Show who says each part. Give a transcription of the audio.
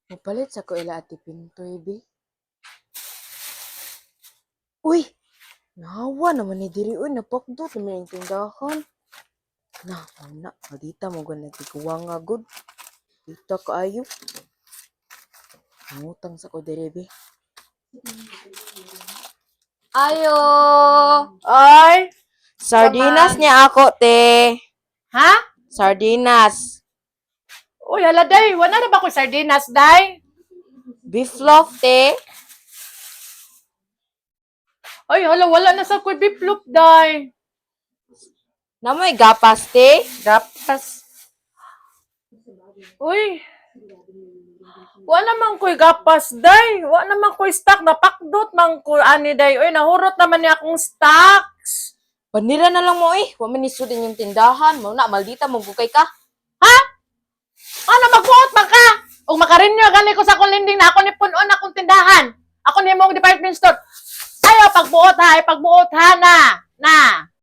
Speaker 1: Mapalit sa ko ila ati Pintoy, be. Uy! Nahawa naman ni diri, uy. Napakdot naman yung tindahan. Na, madita mo gana tikuwa nga, good. Dita kaayo. Ngutang sa ko diri, be.
Speaker 2: Ayo!
Speaker 3: Ay!
Speaker 1: Sardinas
Speaker 2: Saman.
Speaker 1: niya ako, te.
Speaker 3: Ha?
Speaker 1: Sardinas.
Speaker 3: Uy, hala, day. Wala na ba ko sardinas, day?
Speaker 1: Beef loaf, te.
Speaker 3: Ay, hala, wala na sa kuy biplop, day.
Speaker 1: Namoy gapas, te.
Speaker 3: Gapas. Uy. Wala naman ko'y gapas, day. Wala naman ko'y stock. Napakdot man ko, ani, day. Uy, nahurot naman niya akong stocks.
Speaker 1: Panira na lang mo, eh. Wa man isudin yung tindahan. Mauna, maldita mo gukay ka.
Speaker 3: Ha? Ano, magbuot man ka? O makarinyo, gali ko sa akong lending na ako ni punon akong tindahan. Ako ni mong department store. Ayaw, pagbuot ha. Pagbuot ha na. Na.